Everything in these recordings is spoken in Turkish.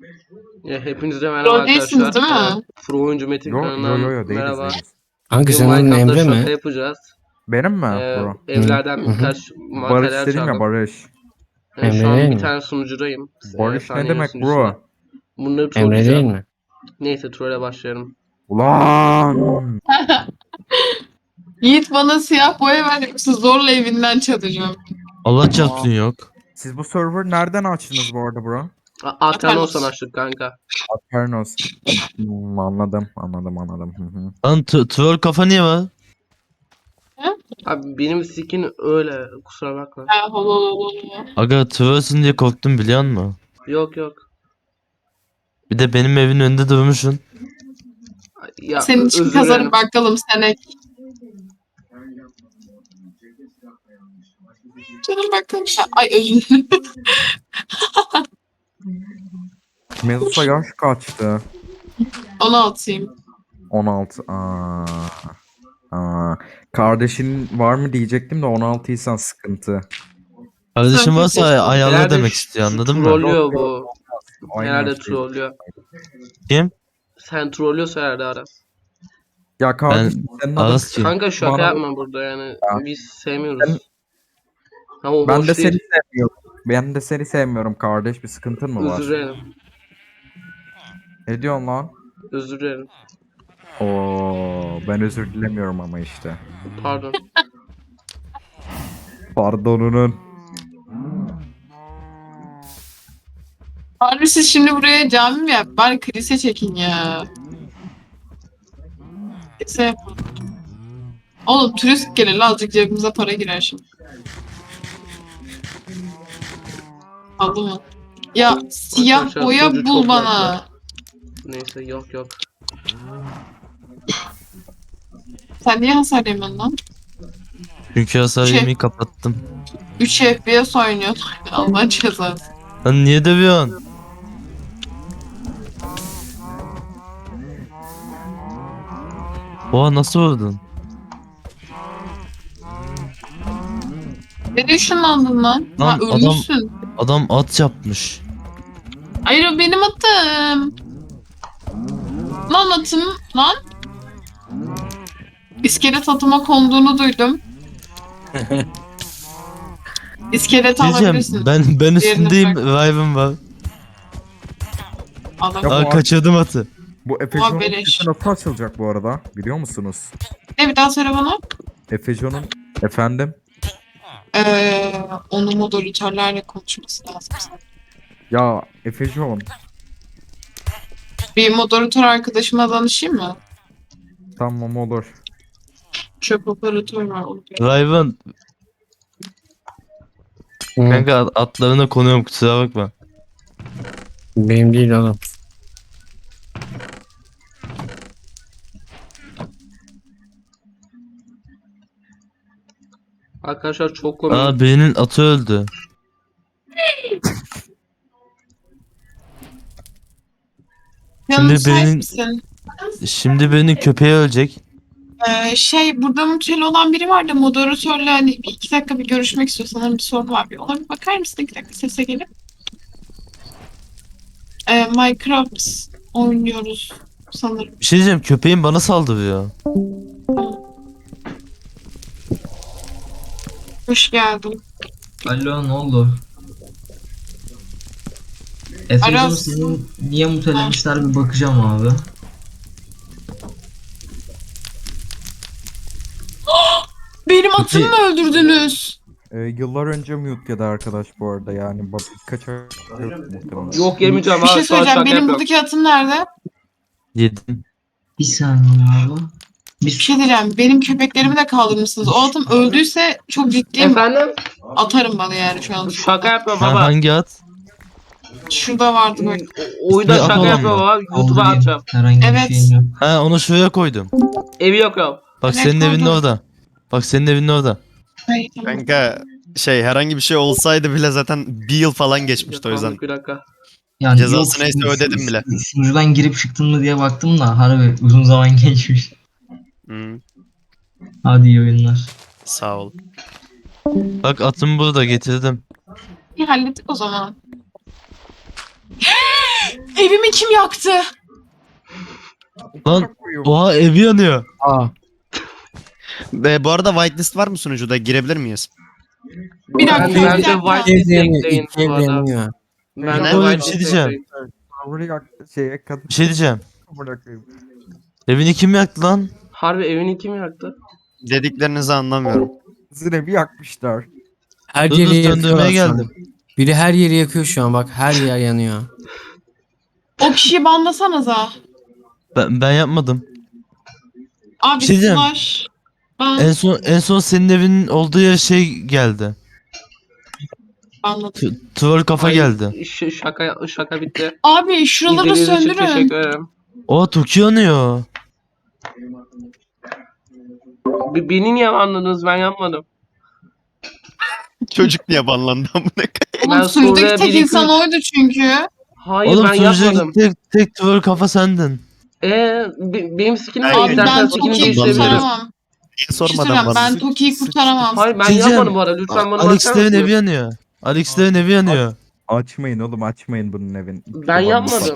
Hepinize merhaba Rol değilsiniz arkadaşlar. değil mi? Pro Oyuncu Metin Yo kanalından değiliz merhaba. değiliz. Kanka Bugün senin adın Minecraft'ta Emre şaka mi? yapacağız. Benim mi bro? Evlerden Hı hı. birkaç Barış materyal dedim ya çaldım. Barış. Emre Şu an değil bir mi? tane sunucudayım. Barış ne Saniye demek sunucusunda. bro? Bunları Emre değil trolleyeceğim. mi? Neyse trolle başlayalım. Ulan. Yiğit bana siyah boya ver yoksa zorla evinden çalacağım. Allah çarpsın yok. Siz bu server nereden açtınız bu arada bro? Aternos'tan açtık kanka. Aternos. Anladım. Hı hı. Lan troll kafa niye var? Abi benim skin öyle, kusura bakma. Ha, holo. Aga trollsün diye korktum biliyor musun? Yok. Bir de benim evin önünde durmuşsun. Ya, Senin için özür kazanıp dilerim. bakalım senek. Canım bakalım. Ay özür dilerim. Medusa yaş kaçtı? 16'yım. 16. Kardeşin var mı diyecektim de 16'ysan sıkıntı. Kardeşim Sen varsa kesin- ayarla Herhalde demek istiyor anladın mı? Trollüyor bu. Aynı Herhalde yaştayız. trollüyor. Kim? Sen trollüyorsa herhalde Aras. Ya kardeşim senin adın Aras kim? Kanka şaka Bana- yapma burada yani. Ya. Biz sevmiyoruz. Ama o ben hoş de değil. seni sevmiyorum. Ben de seni sevmiyorum kardeş. Bir sıkıntın mı var? Özür dilerim. Ne diyorsun lan? Özür dilerim. Oo, ben özür dilemiyorum ama işte. Pardon. Pardonunun. Harbi siz şimdi buraya cami mi yap? Bari kilise çekin ya. Kilise yapın. Oğlum turist gelir azıcık cebimize para girer şimdi. Aldı mı? Ya siyah Arkadaşlar, boya sunucu bul çok bana. laglı. Neyse yok. Sen niye hasar yemiyorsun lan? Çünkü hasar Şey- yemeği kapattım. 3 FPS oynuyorsun. Allah cezası. Lan niye dövüyorsun? Oha nasıl vurdun? Ne ışınlandın lan? Ha Lan ölmüşsün. Adam at yapmış. Hayır o benim atım. Lan atım lan. İskelet atıma konduğunu duydum. İskelet Diyeceğim alabilirsin. ben Diğerini üstündeyim Riven var. Adam. Ya bu Aa kaçırdım atı. Bu Efejon'un beleş. sesi nasıl açılacak bu arada? Biliyor musunuz? Ne bir daha söyle bana. Efejon'un efendim? Onu moderatörlerle konuşması lazım. Ya Efejon. Bir moderatör arkadaşıma danışayım mı? Tamam olur. Çöp operatör var. onu bir- Riven Hı, kanka atlarına konuyorum kusura bakma. benim değil oğlum. Arkadaşlar çok komik. Aa birinin atı öldü. Yanım Şimdi müsait benim- misin? Şimdi birinin köpeği ölecek. Burada mutlu olan biri var da moderatörle hani 2 dakika bir görüşmek istiyor. Sanırım bir sorun var. Ona bir bakar mısın 2 dakika sese gelip? Minecraft oynuyoruz sanırım. Bir şey diyeceğim köpeğin bana saldırıyor. Hoş geldin. Alo ne oldu? Efe'cim Aras. senin niye mutelemişler bir bakacağım abi. Benim atımı mı öldürdünüz? Yıllar önce mute yedi arkadaş bu arada yani birkaç ay muhtemelen. Yok yemeyeceğim Bir abi. şey Şu an söyleyeceğim. şaka Benim yapıyorum. buradaki atım nerede? Yedim. Bir saniye abi. Bir şey diyeceğim. Benim köpeklerimi de kaldırmışsınız. O atım öldüyse çok ciddiyim. Efendim? Atarım bana yani şu an. Şaka yapıyorum Ha, baba. hangi at? Şurada vardı böyle. Oyunda Bir şaka atalım yapıyorum mı? baba. YouTube'a Kaldırayım. atacağım. Herhangi Evet. bir şeyim yok. Ha onu şuraya koydum. Evi yok. Bak Evet, senin evinin koydum. orada. Bak senin evinin orada. Hayır, tamam. Kanka herhangi bir şey olsaydı bile zaten bir yıl falan geçmişti o yüzden. Bir dakika. Yani Cezası neyse ödedim bile. Sunucudan girip çıktın mı diye baktım da harbi uzun zaman geçmiş. Hı, Hadi iyi oyunlar. sağ ol. Bak atımı burada getirdim. İyi hallettik o zaman. Evimi kim yaktı? Lan oha evi yanıyor. Aa. Bu arada whitelist var mı sunucuda? Girebilir miyiz? Bir dakika, Ben bir de dakika. whitelist Ev yanıyor. ekleyin İki ev bu arada. yanıyor. Ben de Oğlum, bir whitelist şey diyeceğim. ekleyin. Buraya şeye kadın Bir şey diyeceğim. bırakayım. Evini kim yaktı lan? Harbi evini kim yaktı? Dediklerinizi anlamıyorum. Sizin evi yakmışlar. Her Dur dur yeri yakıyorlar söndürmeye şu an. geldim. Biri her yeri yakıyor şu an bak. Her yer yanıyor. O kişiyi banlasanıza. Ben yapmadım. Abi Bir şey diyeceğim. slash. Ben En son senin evinin olduğu yer şey geldi. banladım. Tuval kafa Ay, geldi. Şaka bitti. Abi şuraları İzlediğiniz için söndürün. teşekkür ederim. O Toki yanıyor. Beni niye anladınız? Ben yapmadım. Çocuk niye banlandı amına koyayım? Oğlum Ben suyudaki Suriye tek bir iki- insan oydu çünkü. Hayır Oğlum ben sunucuya yapmadım. tek tuval kafa sendin. Benim skinim Ay, değil. Abi İstersen ben skinimi Toki'yi değiştirebiliriz. kurtaramam. Niye Bir şey sormadan söyleyeyim, ben banlandın? Toki'yi kurtaramam. Hayır ben Diyeceğim. yapmadım bu arada. Lütfen bana Alex'in bakar evin evi mısınız? yanıyor. Alex'in evin evi yanıyor. Açmayın oğlum, açmayın bunun evini. Ben yapmadım.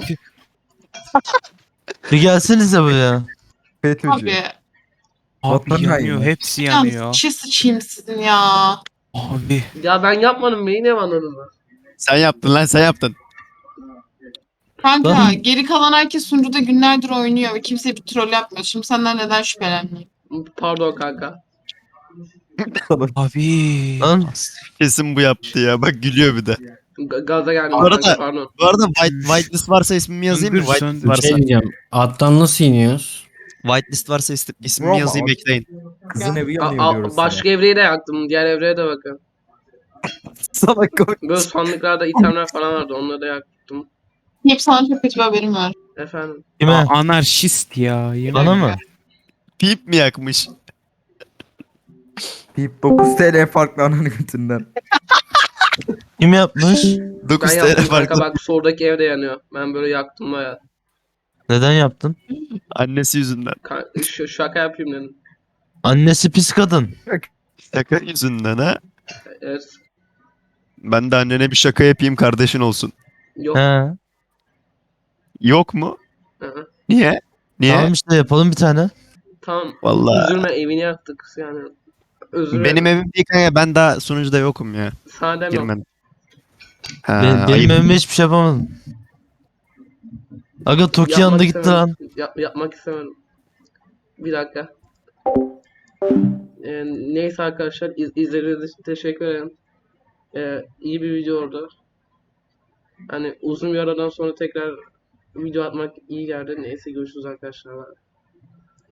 Bir gelsenize buraya. FETÖ'cü. Abi Vatan Abi yanıyor. haini. Hepsi ya yanıyor. çi sıçayım sizin ya. Abi. Ya ben yapmadım. Beni niye anladınız? Sen yaptın lan sen yaptın. Kanka Lan- geri kalan herkes sunucuda günlerdir oynuyor ve kimse bir troll yapmıyor. Şimdi senden neden şüphelenmeyeyim? Pardon kanka. Abi. Lan Kesin bu yaptı ya. Bak gülüyor bir de. Gaza geldim Bu arada- kanka pardon. Bu arada whitelist varsa ismimi yazayım mı? Söndür, Whitelist söndür. varsa. Şey diyeceğim. Attan nasıl iniyoruz? Whitelist varsa ismimi Roma, yazayım o- ekleyin. Kızın evi yanıyor diyoruz Başka evreyi de yaktım. Diğer evreye de bakın. sana. Salak koy. Böyle sandıklarda itemler falan vardı. Onları da yaktım. Hep sana çok kötü bir haberim var. Efendim. kime? Anarşist ya. Yemin Bana mı? Pip mi yakmış? Pip 9 TL farklı ananın götünden. Kim yapmış? 9 Ben TL yaptım kanka farklı. bak soldaki ev de yanıyor. Ben böyle yaktım baya. Neden yaptın? Annesi yüzünden. Şaka yapayım dedim. Annesi pis kadın. Şaka yüzünden ha. Evet. Ben de annene bir şaka yapayım kardeşin olsun. Yok. He. Yok mu? Hı-hı. Niye? Niye? Tamam işte yapalım bir tane. Tamam. Vallahi. Üzülme evini yaktık yani. Özür Benim dilerim. evim değil kanka, ben daha sunucuda yokum ya. Sana demiyorum. Girmedim. Ha, Benim ayıp. evime hiçbir şey yapamadım. Aga Toki Yapmak yanında gitti istemedim. lan. Yapmak istemedim. Bir dakika. Neyse arkadaşlar izlediğiniz için teşekkür ederim. İyi bir video oldu. Hani uzun bir aradan sonra tekrar video atmak iyi geldi. Neyse görüşürüz arkadaşlar.